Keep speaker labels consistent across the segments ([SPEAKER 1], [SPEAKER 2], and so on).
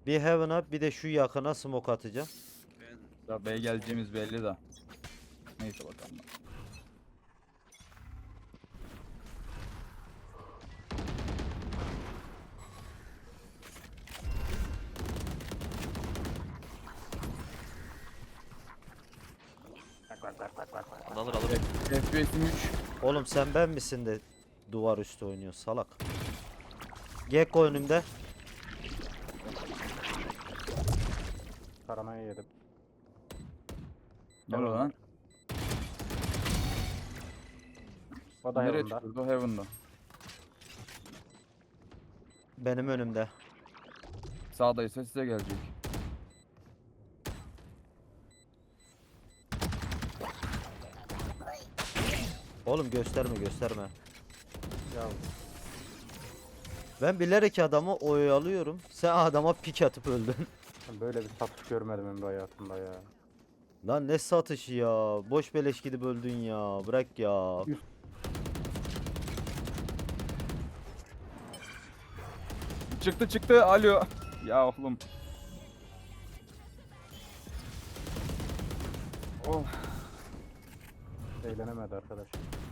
[SPEAKER 1] Bir Heaven'a bir de şu yakına smoke atacağım.
[SPEAKER 2] Ya B'ye geleceğimiz belli de. Neyse bakalım.
[SPEAKER 3] Alır alır.
[SPEAKER 2] FPS'im 3.
[SPEAKER 1] Oğlum sen ben misin de duvar üstü oynuyor salak. Gekko önümde.
[SPEAKER 4] Taramayı yedim.
[SPEAKER 2] Ne oluyor lan?
[SPEAKER 4] O da
[SPEAKER 2] Nereye
[SPEAKER 4] yanında.
[SPEAKER 2] çıkıyordu? Heaven'da.
[SPEAKER 1] Benim önümde.
[SPEAKER 2] Sağdaysa size gelecek.
[SPEAKER 1] Oğlum gösterme gösterme.
[SPEAKER 4] Ya
[SPEAKER 1] Ben bilerek adamı oyalıyorum. Sen adama pik atıp öldün.
[SPEAKER 4] ben böyle bir satış görmedim ömrü hayatımda ya.
[SPEAKER 1] Lan ne satışı ya. Boş beleş gidip öldün ya. Bırak ya.
[SPEAKER 2] Çıktı. Alo. Ya oğlum. Oh.
[SPEAKER 4] Eğlenemedi arkadaş.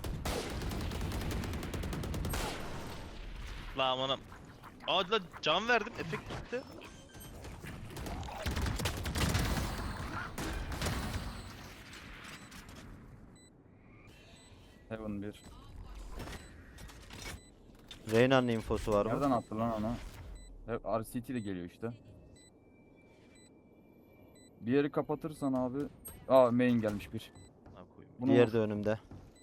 [SPEAKER 3] La amanım. Aa la can verdim. Efekt gitti.
[SPEAKER 2] Heaven 1.
[SPEAKER 1] Reyna'nın infosu var mı?
[SPEAKER 2] Nereden attı lan onu? Hep RCT de geliyor işte. Bir yeri kapatırsan abi. Aa main gelmiş bir.
[SPEAKER 3] Ha koyayım.
[SPEAKER 2] Bunu
[SPEAKER 1] Diğer
[SPEAKER 2] vur.
[SPEAKER 1] de önümde.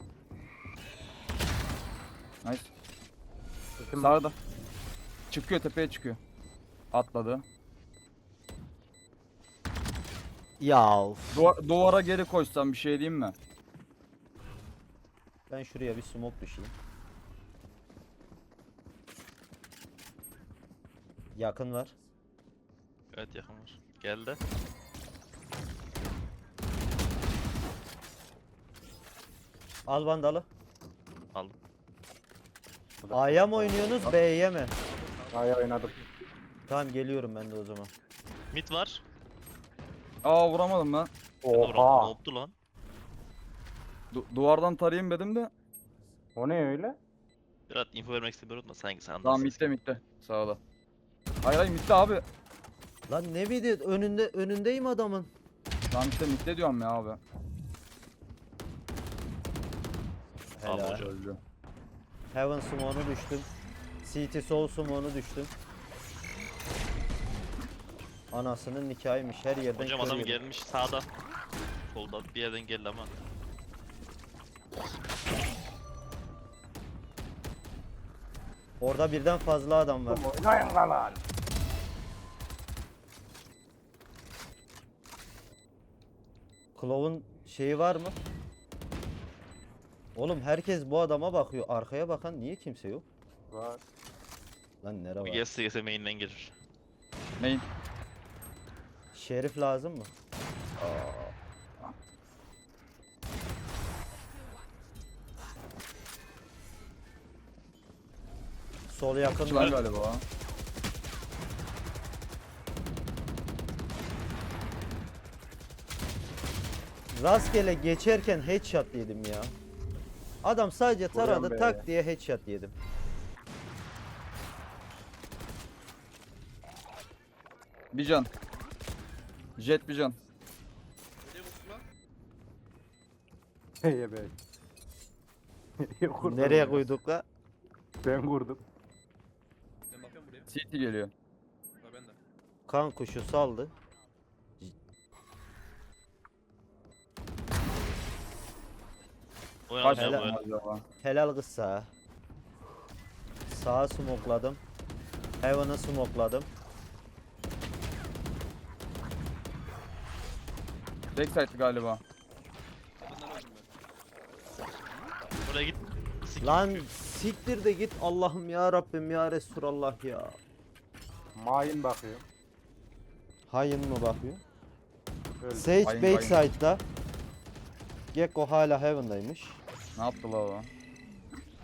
[SPEAKER 2] Nice.
[SPEAKER 4] Bütün
[SPEAKER 2] Sağda. Çıkıyor tepeye çıkıyor. Atladı.
[SPEAKER 1] Ya of.
[SPEAKER 2] Duvara geri koşsam bir şey diyeyim mi?
[SPEAKER 1] Ben şuraya bir smoke düşeyim. Yakın var.
[SPEAKER 3] Evet yakın var. Geldi.
[SPEAKER 1] Al vandalı.
[SPEAKER 3] Aldım.
[SPEAKER 1] A'ya mı oynuyorsunuz B'ye mi?
[SPEAKER 4] A'ya oynadım.
[SPEAKER 1] Tamam geliyorum ben de o zaman.
[SPEAKER 3] Mid var.
[SPEAKER 2] Aa vuramadım ben.
[SPEAKER 3] Oha. Ne
[SPEAKER 4] Oha.
[SPEAKER 3] oldu lan?
[SPEAKER 2] Duvardan tarayayım dedim de.
[SPEAKER 4] O ne öyle?
[SPEAKER 3] Berat info vermek istemiyorum da sanki sen
[SPEAKER 2] Tamam
[SPEAKER 3] anlarsın.
[SPEAKER 2] mitte. Sağda. Hayır mitte abi.
[SPEAKER 1] Lan ne video önündeyim adamın.
[SPEAKER 2] Tamam işte mitte diyorum ya abi.
[SPEAKER 3] Tamam
[SPEAKER 1] Helal.
[SPEAKER 3] hocam.
[SPEAKER 2] Öldü.
[SPEAKER 1] Heaven smoke'unu düştüm. CT Soul smoke'unu düştüm. Anasının nikahıymış her yerden
[SPEAKER 3] Hocam
[SPEAKER 1] kör
[SPEAKER 3] adam
[SPEAKER 1] yedim.
[SPEAKER 3] gelmiş sağda. Solda bir yerden geldi ama.
[SPEAKER 1] Orada birden fazla adam var.
[SPEAKER 4] Oynayın lan.
[SPEAKER 1] Clove'un şeyi var mı? Oğlum herkes bu adama bakıyor. Arkaya bakan niye kimse yok?
[SPEAKER 4] Var.
[SPEAKER 1] Lan nere
[SPEAKER 3] Bir
[SPEAKER 1] var?
[SPEAKER 3] gelse main'den gelir.
[SPEAKER 2] Main.
[SPEAKER 1] Şerif lazım mı? Sol yakın
[SPEAKER 2] Çılan
[SPEAKER 1] var.
[SPEAKER 2] galiba.
[SPEAKER 1] Rastgele geçerken headshot yedim ya. Adam sadece
[SPEAKER 4] Vuruyorum
[SPEAKER 1] taradı
[SPEAKER 4] be.
[SPEAKER 1] tak diye headshot yedim.
[SPEAKER 2] Bir can. Jet bir can.
[SPEAKER 4] Heye be. Nereye kurdun
[SPEAKER 1] Nereye
[SPEAKER 4] ya?
[SPEAKER 1] koyduk la?
[SPEAKER 4] Ben kurdum.
[SPEAKER 5] Ben bakıyorum buraya.
[SPEAKER 2] CT geliyor.
[SPEAKER 5] Ha ben de.
[SPEAKER 1] Kan kuşu saldı.
[SPEAKER 2] Kaç
[SPEAKER 3] Oynayacağım
[SPEAKER 1] Helal.
[SPEAKER 3] böyle.
[SPEAKER 2] acaba?
[SPEAKER 1] Helal kız sağa. Sağa smokladım. Heaven'ı smokladım.
[SPEAKER 2] Backside galiba.
[SPEAKER 5] Kadından öldüm ben.
[SPEAKER 3] Buraya git. Sik.
[SPEAKER 1] Lan siktir de git Allah'ım ya Rabbim ya Resulallah ya.
[SPEAKER 4] Main bakıyor.
[SPEAKER 1] Hayın mı bakıyor?
[SPEAKER 4] Öldü.
[SPEAKER 1] Sage
[SPEAKER 2] Hayın,
[SPEAKER 1] backside'da. Gekko hala Heaven'daymış.
[SPEAKER 2] Ne yaptı la o?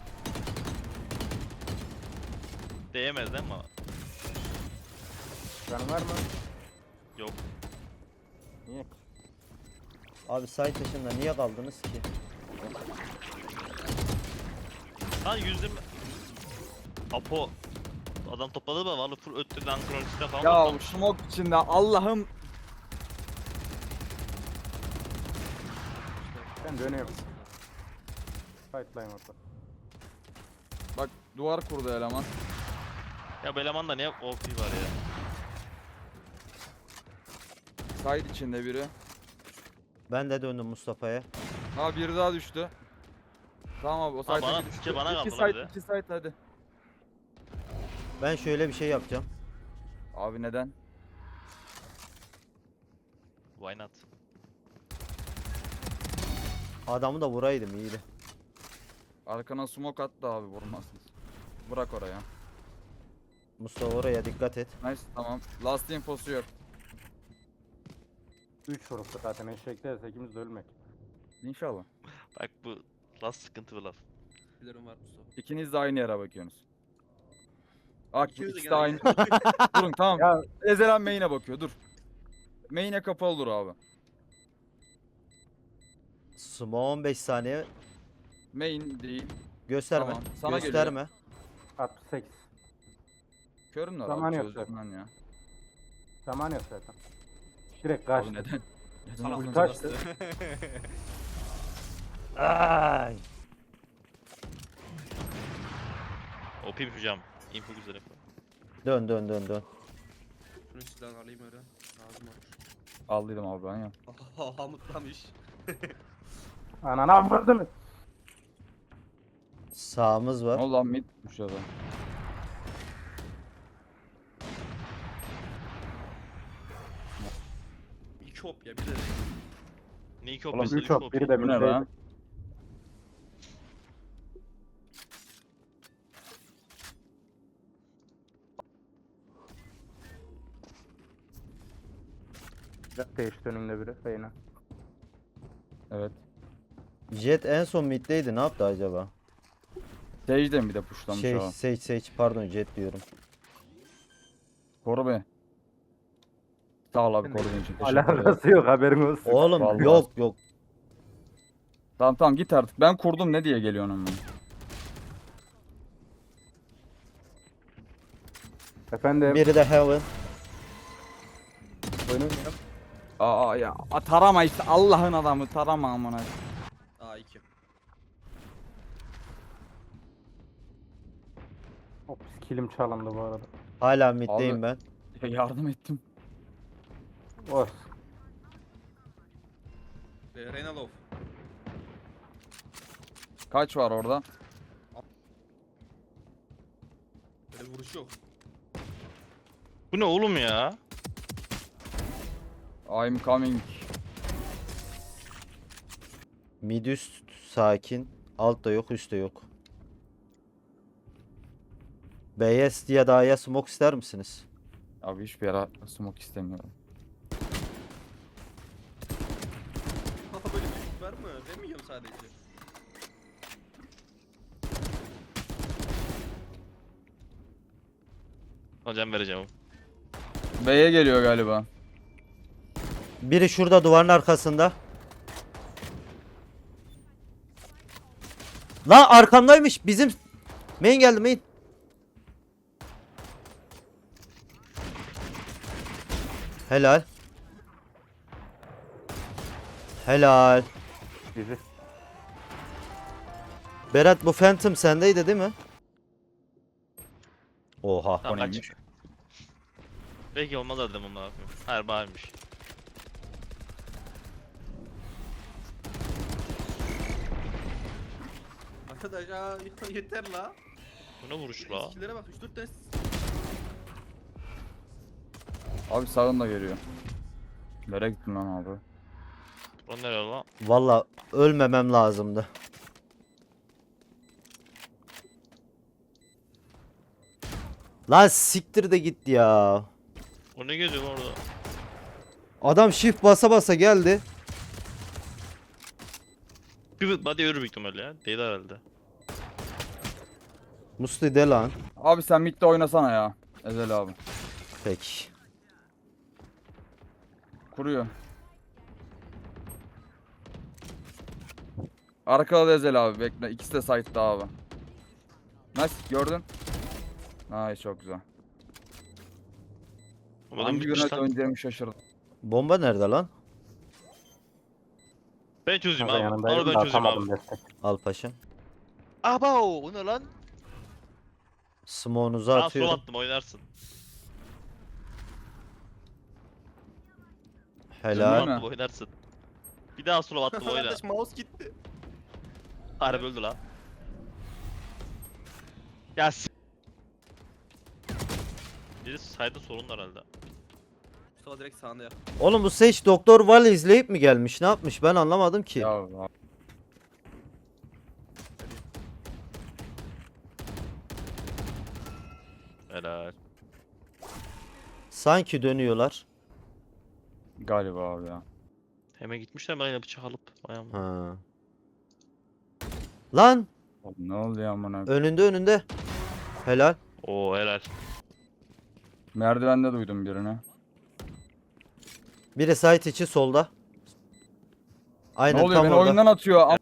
[SPEAKER 3] Değemez değil mi?
[SPEAKER 4] Can var mı?
[SPEAKER 3] Yok.
[SPEAKER 4] Niye?
[SPEAKER 1] Abi site dışında niye kaldınız ki?
[SPEAKER 3] Lan yüzüm... Apo... Adam topladı mı? Vallahi full öttü lan kronisinde falan.
[SPEAKER 2] Ya
[SPEAKER 3] toplamış.
[SPEAKER 2] smoke içinde Allah'ım.
[SPEAKER 4] Ben dönüyorum. Fightline orada.
[SPEAKER 2] Bak duvar kurdu eleman.
[SPEAKER 3] Ya bu elemanda ne OP var ya.
[SPEAKER 2] Side içinde biri.
[SPEAKER 1] Ben de döndüm Mustafa'ya.
[SPEAKER 2] Ha biri daha düştü. Tamam abi o
[SPEAKER 3] Ha,
[SPEAKER 2] side
[SPEAKER 3] bana-
[SPEAKER 2] düştü.
[SPEAKER 3] şey bana
[SPEAKER 2] İki
[SPEAKER 3] kaldı lan bir
[SPEAKER 2] side,
[SPEAKER 3] de.
[SPEAKER 2] iki side hadi.
[SPEAKER 1] Ben şöyle bir şey yapacağım.
[SPEAKER 2] Abi neden?
[SPEAKER 3] Why not?
[SPEAKER 1] Adamı da vuraydım iyiydi.
[SPEAKER 2] Arkana smoke attı abi vurmazsın. Bırak oraya.
[SPEAKER 1] Mustafa oraya dikkat et.
[SPEAKER 2] Nice tamam. Last infosu yok.
[SPEAKER 4] 3 vuruktu zaten eşekler ikimiz de ölmek.
[SPEAKER 2] İnşallah.
[SPEAKER 3] Bak bu last sıkıntı bir laf.
[SPEAKER 5] Bilirim var Mustafa.
[SPEAKER 2] İkiniz de aynı yere bakıyorsunuz. Bak
[SPEAKER 5] İkimiz de
[SPEAKER 2] ikisi de
[SPEAKER 5] gene
[SPEAKER 2] aynı. Durun tamam.
[SPEAKER 4] Ya
[SPEAKER 2] Ezelen main'e bakıyor dur. Main'e kapalı dur abi.
[SPEAKER 1] Sumo 15 saniye.
[SPEAKER 2] Main değil.
[SPEAKER 1] Gösterme.
[SPEAKER 2] Tamam, sana
[SPEAKER 1] Gösterme.
[SPEAKER 4] 68.
[SPEAKER 2] Körün var
[SPEAKER 4] Zaman
[SPEAKER 2] abi
[SPEAKER 4] yok
[SPEAKER 2] çözdüm
[SPEAKER 4] zaten.
[SPEAKER 2] ben ya.
[SPEAKER 4] Zaman yok zaten. Direkt
[SPEAKER 2] Abi
[SPEAKER 4] kaçtı.
[SPEAKER 2] neden? Neden
[SPEAKER 5] Salak
[SPEAKER 2] oğlum?
[SPEAKER 4] Kaçtı.
[SPEAKER 1] Ay.
[SPEAKER 3] OP yapacağım. Info güzel yapıyor.
[SPEAKER 1] Dön dön dön dön.
[SPEAKER 5] Şunu silahını alayım öyle. Lazım olur.
[SPEAKER 2] Aldıydım abi ben ya.
[SPEAKER 5] Hamutlamış.
[SPEAKER 4] Anana vurdu mu?
[SPEAKER 1] Sağımız
[SPEAKER 2] Ne
[SPEAKER 1] var.
[SPEAKER 2] oldu lan mid tutmuş adam.
[SPEAKER 5] İki hop ya bir de.
[SPEAKER 3] Ne iki
[SPEAKER 2] Oğlum,
[SPEAKER 3] OP'si
[SPEAKER 4] 3 hop biri de
[SPEAKER 2] Bu ne
[SPEAKER 4] bir
[SPEAKER 2] lan?
[SPEAKER 4] değişti önümde biri. Reyna.
[SPEAKER 2] Evet.
[SPEAKER 1] Jet en son middeydi. Ne yaptı acaba?
[SPEAKER 2] Sage'den bir de pushlamış
[SPEAKER 1] Şey
[SPEAKER 2] ha.
[SPEAKER 1] Sage pardon Jet diyorum.
[SPEAKER 2] Koru be. Sağ ol abi
[SPEAKER 4] Ben de-
[SPEAKER 2] koruduğun için teşekkür ederim.
[SPEAKER 4] Alakası yok haberin olsun.
[SPEAKER 1] Oğlum
[SPEAKER 2] Vallahi.
[SPEAKER 1] yok yok.
[SPEAKER 2] Tamam tamam git artık. Ben kurdum ne diye geliyorsun ama.
[SPEAKER 4] Efendim.
[SPEAKER 1] Biri de Heaven.
[SPEAKER 4] Oynamıyorum.
[SPEAKER 2] Aa ya tarama işte Allah'ın adamı tarama amına.
[SPEAKER 5] Aa iki.
[SPEAKER 4] Hop kilim çalındı bu arada.
[SPEAKER 1] Hala middeyim
[SPEAKER 2] Abi-
[SPEAKER 1] ben.
[SPEAKER 2] Ya yardım ettim.
[SPEAKER 4] Olsun.
[SPEAKER 5] Reyna Love.
[SPEAKER 2] Kaç var orada?
[SPEAKER 5] Böyle vuruş yok.
[SPEAKER 3] Bu ne oğlum ya?
[SPEAKER 2] I'm coming.
[SPEAKER 1] Mid üst sakin. Alt da yok üst de yok. BS diye A'ya smoke ister misiniz?
[SPEAKER 2] Abi hiçbir yere smoke istemiyorum.
[SPEAKER 5] Haha böyle bir şey var mı? Ben mi yiyorum sadece?
[SPEAKER 3] Hocam vereceğim.
[SPEAKER 2] B'ye geliyor galiba.
[SPEAKER 1] Biri şurada duvarın arkasında. Lan arkamdaymış bizim. Main geldi main. Helal. Helal.
[SPEAKER 4] Bizi.
[SPEAKER 1] Berat bu Phantom sendeydi değil mi? Oha.
[SPEAKER 3] Tamam
[SPEAKER 2] O neymiş?
[SPEAKER 3] kaç. Belki olmaz dedim onu yapayım. Hayır bağırmış.
[SPEAKER 5] Arkadaş aa yeter la.
[SPEAKER 3] Bu ne vuruş la?
[SPEAKER 5] Eskilere bak 3-4 tane.
[SPEAKER 2] Abi sağında geliyor. Nereye gittin lan abi?
[SPEAKER 3] O nereye lan?
[SPEAKER 1] Valla ölmemem lazımdı. Lan siktir de git ya.
[SPEAKER 3] O ne geziyor lan orada?
[SPEAKER 1] Adam shift basa basa geldi.
[SPEAKER 3] Bir body yürü büyük ihtimalle ya. Değil herhalde.
[SPEAKER 1] Musti de lan.
[SPEAKER 2] Abi sen midde oynasana ya. Ezel abi.
[SPEAKER 1] Peki.
[SPEAKER 2] Kuruyor. Arkada da Ezel abi bekle. İkisi de site'da abi. Nice gördün. Nice çok güzel.
[SPEAKER 3] Adam
[SPEAKER 2] Hangi
[SPEAKER 3] bitmiş
[SPEAKER 2] yönet
[SPEAKER 3] lan.
[SPEAKER 2] oynayacağımı şaşırdım.
[SPEAKER 1] Bomba nerede lan?
[SPEAKER 3] Ben çözeyim
[SPEAKER 4] Kanka
[SPEAKER 3] abi.
[SPEAKER 4] yanındaydım
[SPEAKER 3] Onu
[SPEAKER 4] da
[SPEAKER 3] ben çözeyim
[SPEAKER 4] atamadım
[SPEAKER 3] abi.
[SPEAKER 4] destek.
[SPEAKER 1] Al paşam.
[SPEAKER 3] Abo o ne lan?
[SPEAKER 1] Smoke'unuzu
[SPEAKER 3] Daha sol
[SPEAKER 1] atıyorum.
[SPEAKER 3] attım oynarsın.
[SPEAKER 1] Helal.
[SPEAKER 2] Değil mi?
[SPEAKER 3] Attım oynarsın. Bir daha sol attım oyna.
[SPEAKER 5] Kardeş mouse gitti.
[SPEAKER 3] Harbi öldü lan. Ya biri sayda sorun herhalde.
[SPEAKER 5] Mustafa direkt sağında ya.
[SPEAKER 1] Oğlum bu Sage Doktor Val izleyip mi gelmiş? Ne yapmış? Ben anlamadım ki.
[SPEAKER 2] Ya
[SPEAKER 3] Helal.
[SPEAKER 1] Sanki dönüyorlar.
[SPEAKER 2] galiba abi ya.
[SPEAKER 3] Hemen gitmişler ben yine bıçak alıp ayağımla.
[SPEAKER 1] Ha. Lan
[SPEAKER 2] Oğlum ne oldu ya amına?
[SPEAKER 1] önünde. Helal.
[SPEAKER 3] Oo helal.
[SPEAKER 2] Merdivende duydum birini.
[SPEAKER 1] Biri site içi solda. Aynen
[SPEAKER 2] Ne oluyor?
[SPEAKER 1] tam
[SPEAKER 2] Beni
[SPEAKER 1] orada.
[SPEAKER 2] oyundan atıyor.
[SPEAKER 3] Adam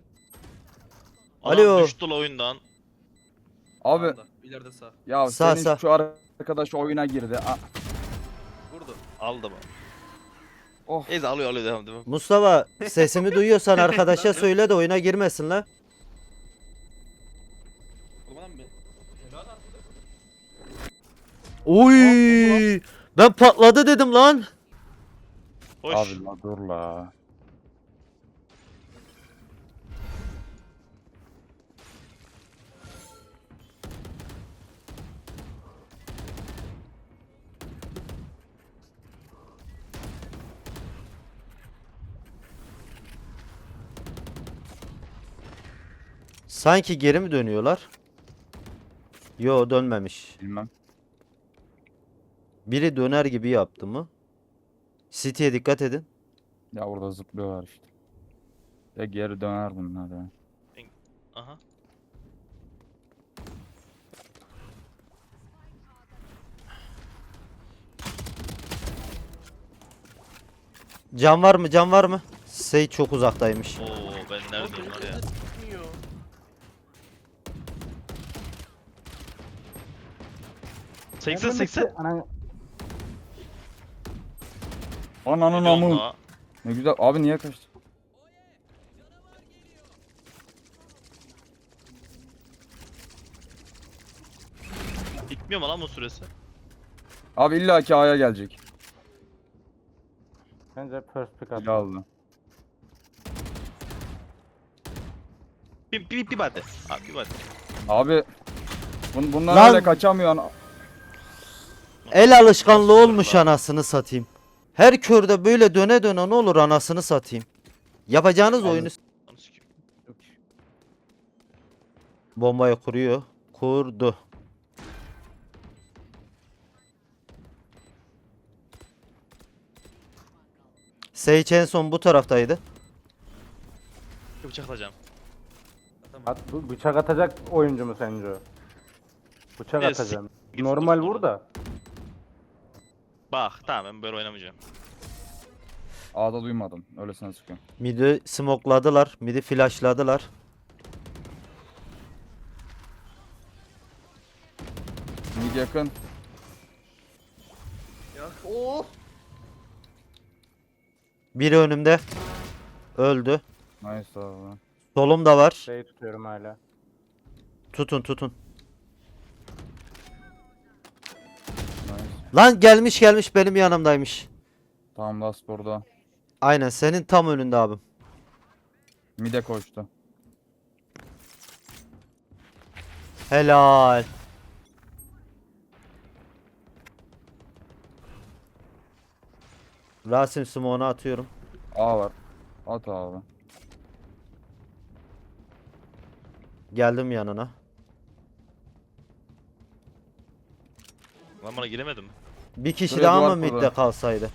[SPEAKER 1] Alo.
[SPEAKER 3] düştü la oyundan.
[SPEAKER 2] Abi
[SPEAKER 5] Sağında, İleride sağ.
[SPEAKER 2] ya
[SPEAKER 1] Sağ,
[SPEAKER 2] senin
[SPEAKER 1] sağ.
[SPEAKER 2] şu arkadaş oyuna girdi.
[SPEAKER 5] Vurdu.
[SPEAKER 3] Aldı mı?
[SPEAKER 2] Oh.
[SPEAKER 3] Neyse alıyor devam devam.
[SPEAKER 1] Mustafa sesimi duyuyorsan arkadaşa söyle de oyuna girmesin la.
[SPEAKER 5] Oğlum adam bir. Helal artık.
[SPEAKER 1] Oy! Ben patladı dedim lan.
[SPEAKER 3] Hoş.
[SPEAKER 2] Abi la dur la.
[SPEAKER 1] Sanki geri mi dönüyorlar? Yo dönmemiş.
[SPEAKER 2] Bilmem.
[SPEAKER 1] Biri döner gibi yaptı mı? City'ye dikkat edin.
[SPEAKER 2] Ya orada zıplıyorlar işte. Ya geri döner bunlar ya.
[SPEAKER 3] Aha.
[SPEAKER 1] Can var mı? Can var mı? Sey çok uzaktaymış.
[SPEAKER 3] Oo ben neredeyim var ya.
[SPEAKER 5] Gitmiyor.
[SPEAKER 3] Seksen seksen.
[SPEAKER 4] Ana,
[SPEAKER 2] Ananın amı. Ne güzel. Abi niye kaçtı?
[SPEAKER 3] Bitmiyor mu lan bu süresi?
[SPEAKER 2] Abi illaki A'ya gelecek.
[SPEAKER 4] bence first pick
[SPEAKER 2] İyi
[SPEAKER 4] attı.
[SPEAKER 2] aldı.
[SPEAKER 3] Bir bade. Abi bir bade.
[SPEAKER 2] Abi bunlar
[SPEAKER 1] Lan!
[SPEAKER 2] öyle kaçamıyor.
[SPEAKER 1] El alışkanlığı olmuş anasını satayım. Her körde böyle döne döne ne olur anasını satayım. Yapacağınız oyunu
[SPEAKER 3] Lan sikeyim.
[SPEAKER 1] bombayı kuruyor. Kurdu. Sage en son bu taraftaydı.
[SPEAKER 3] Bir bıçaklayacağım.
[SPEAKER 4] At, bu bıçak atacak oyuncu mu sence o? Bıçak
[SPEAKER 3] Evet,
[SPEAKER 4] atacağım.
[SPEAKER 3] git
[SPEAKER 4] Normal
[SPEAKER 3] dur,
[SPEAKER 4] vur
[SPEAKER 3] dur.
[SPEAKER 4] da.
[SPEAKER 3] Bak tamam ben böyle oynamayacağım.
[SPEAKER 2] A'da duymadım. Öylesine sıkıyorum.
[SPEAKER 1] Midi smokladılar. Midi flashladılar.
[SPEAKER 2] Mid yakın.
[SPEAKER 5] Ya. Oh.
[SPEAKER 1] Biri önümde. Öldü.
[SPEAKER 2] Nice abi.
[SPEAKER 1] Solumda var.
[SPEAKER 4] Şey tutuyorum hala.
[SPEAKER 1] Tutun.
[SPEAKER 2] Nice.
[SPEAKER 1] Lan gelmiş benim yanımdaymış.
[SPEAKER 2] Tamam last burada.
[SPEAKER 1] Aynen senin tam önünde abim.
[SPEAKER 2] Mid'e koştu.
[SPEAKER 1] Helal. Rasim smoke'unu atıyorum.
[SPEAKER 2] A var. At abi.
[SPEAKER 1] Geldim yanına.
[SPEAKER 3] Lan bana giremedim.
[SPEAKER 1] Bir kişi
[SPEAKER 2] Şuraya
[SPEAKER 1] daha
[SPEAKER 2] duvar
[SPEAKER 1] mı
[SPEAKER 2] kurdu.
[SPEAKER 1] midde kalsaydı?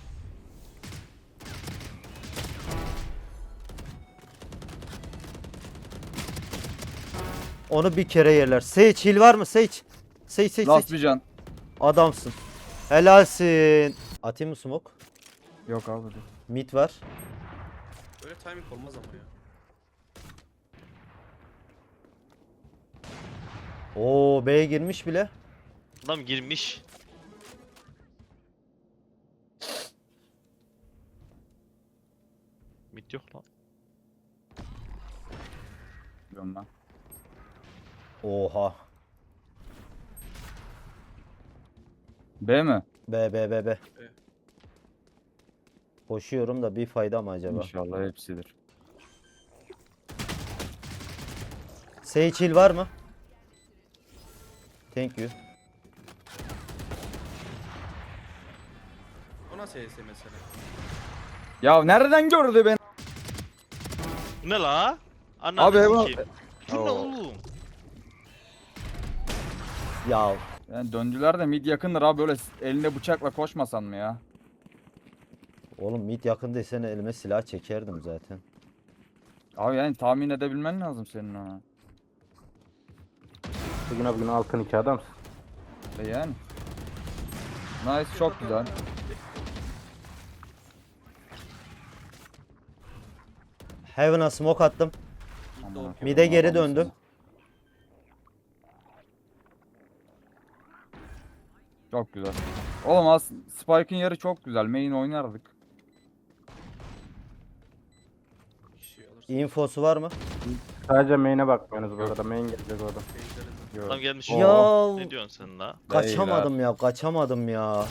[SPEAKER 1] Onu bir kere yerler. Sage heal var mı? Sage. Sage.
[SPEAKER 2] Last bir can.
[SPEAKER 1] Adamsın. Helalsin. Atayım mı smoke?
[SPEAKER 2] Yok abi dur.
[SPEAKER 1] Mid var.
[SPEAKER 5] Böyle timing olmaz ama ya.
[SPEAKER 1] Oo B'ye girmiş bile.
[SPEAKER 3] Adam girmiş. Mid yok lan.
[SPEAKER 2] Biliyorum ben.
[SPEAKER 1] Oha.
[SPEAKER 2] B mi?
[SPEAKER 1] B. Koşuyorum da bir fayda mı acaba?
[SPEAKER 2] İnşallah hepsidir.
[SPEAKER 1] Sage heal var mı? Thank you.
[SPEAKER 5] O nasıl HS mesela?
[SPEAKER 2] Ya nereden gördü beni?
[SPEAKER 3] Bu ne la? Ananı
[SPEAKER 2] Abi,
[SPEAKER 3] sikeyim. Bu ne
[SPEAKER 2] Oo.
[SPEAKER 3] oğlum?
[SPEAKER 1] Ya
[SPEAKER 2] Yani döndüler de mid yakındır abi, böyle elinde bıçakla koşmasan mı ya?
[SPEAKER 1] oğlum mid yakın desene elime silah çekerdim zaten.
[SPEAKER 2] Abi yani tahmin edebilmen lazım senin ona.
[SPEAKER 4] Bugün altın 2 adamsın.
[SPEAKER 2] Yani. Nice, çok güzel.
[SPEAKER 1] Heaven'a smoke attım.
[SPEAKER 2] Aman
[SPEAKER 1] Mid'e geri
[SPEAKER 2] Allah'ım
[SPEAKER 1] döndüm.
[SPEAKER 2] Çok güzel. Oğlum Spike'ın yeri çok güzel. Main oynardık.
[SPEAKER 5] Kişi alırsın.
[SPEAKER 1] Infosu var mı?
[SPEAKER 4] Sadece main'e bakmıyorsunuz bu arada. Main gelecek orada.
[SPEAKER 5] Beyzleriz.
[SPEAKER 3] Adam gelmiş.
[SPEAKER 1] Ya
[SPEAKER 3] Ne diyorsun sen la?
[SPEAKER 1] kaçamadım ya.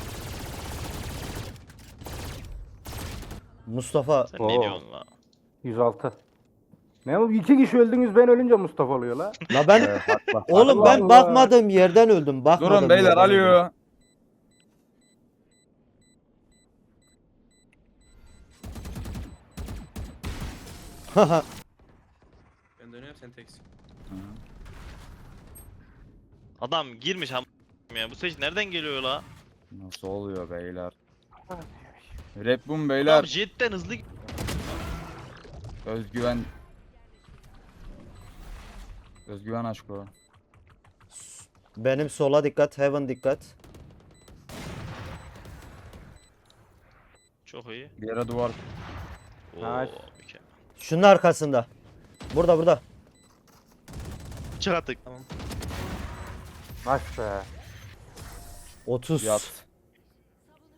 [SPEAKER 1] Mustafa
[SPEAKER 3] Sen
[SPEAKER 4] Oo.
[SPEAKER 3] ne diyorsun la?
[SPEAKER 4] 106. Ne bu? 2 kişi öldünüz, ben ölünce Mustafa oluyor la.
[SPEAKER 1] la ben oğlum
[SPEAKER 4] Allah
[SPEAKER 1] ben
[SPEAKER 4] Allah.
[SPEAKER 1] bakmadığım yerden öldüm. Bakmadığım
[SPEAKER 2] Durun beyler,
[SPEAKER 1] yerden öldüm.
[SPEAKER 2] alo.
[SPEAKER 5] Ben dönüyorum sen teksin.
[SPEAKER 3] Adam girmiş am ya. Bu seç nereden geliyor la?
[SPEAKER 2] Nasıl oluyor beyler? Red Bull
[SPEAKER 3] Adam
[SPEAKER 2] beyler.
[SPEAKER 3] jetten hızlı
[SPEAKER 2] Özgüven. Özgüven aşkı.
[SPEAKER 1] Benim sola dikkat, Heaven dikkat.
[SPEAKER 3] Çok iyi.
[SPEAKER 2] Bir yere duvar.
[SPEAKER 3] Oo,
[SPEAKER 4] Nice.
[SPEAKER 3] mükemmel.
[SPEAKER 1] Şunun arkasında. Burada.
[SPEAKER 3] Bıçak attık.
[SPEAKER 5] Tamam.
[SPEAKER 4] Nice be.
[SPEAKER 1] 30.
[SPEAKER 2] Yat.